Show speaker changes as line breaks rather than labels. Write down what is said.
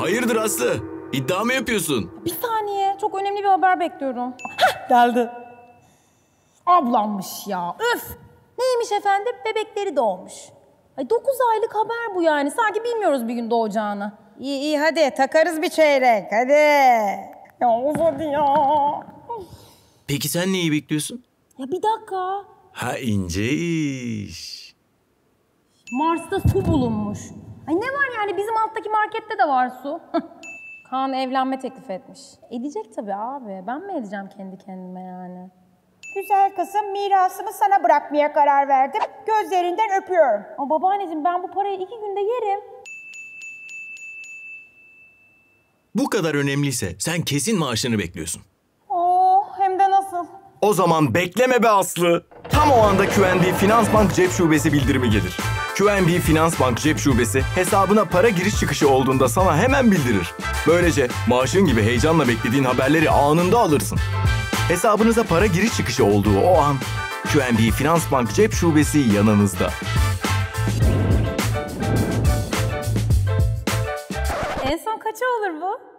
Hayırdır Aslı? İddia mı yapıyorsun?
Bir saniye, çok önemli bir haber bekliyorum. Hah, geldi. Ablammış ya, öf! Neymiş efendim? Bebekleri doğmuş. Ay 9 aylık haber bu yani. Sanki bilmiyoruz bir gün doğacağını.
İyi iyi hadi takarız bir çeyrek hadi.
Ya of hadi ya.
Peki sen neyi bekliyorsun?
Ya bir dakika.
Ha, ince iş.
Mars'ta su bulunmuş. Ay ne var yani, bizim alttaki markette de var su. Kaan evlenme teklif etmiş. Edecek tabii abi. Ben mi edeceğim kendi kendime yani?
Güzel kızım, mirasımı sana bırakmaya karar verdim. Gözlerinden öpüyorum.
Ama babaanneciğim, ben bu parayı 2 günde yerim.
Bu kadar önemliyse sen kesin maaşını bekliyorsun.
Oo, hem de nasıl?
O zaman bekleme be Aslı. Tam o anda QNB Finansbank Cep Şubesi bildirimi gelir. QNB Finansbank Cep Şubesi hesabına para giriş çıkışı olduğunda sana hemen bildirir. Böylece maaşın gibi heyecanla beklediğin haberleri anında alırsın. Hesabınıza para giriş çıkışı olduğu o an QNB Finansbank Cep Şubesi yanınızda.
En son kaça olur bu?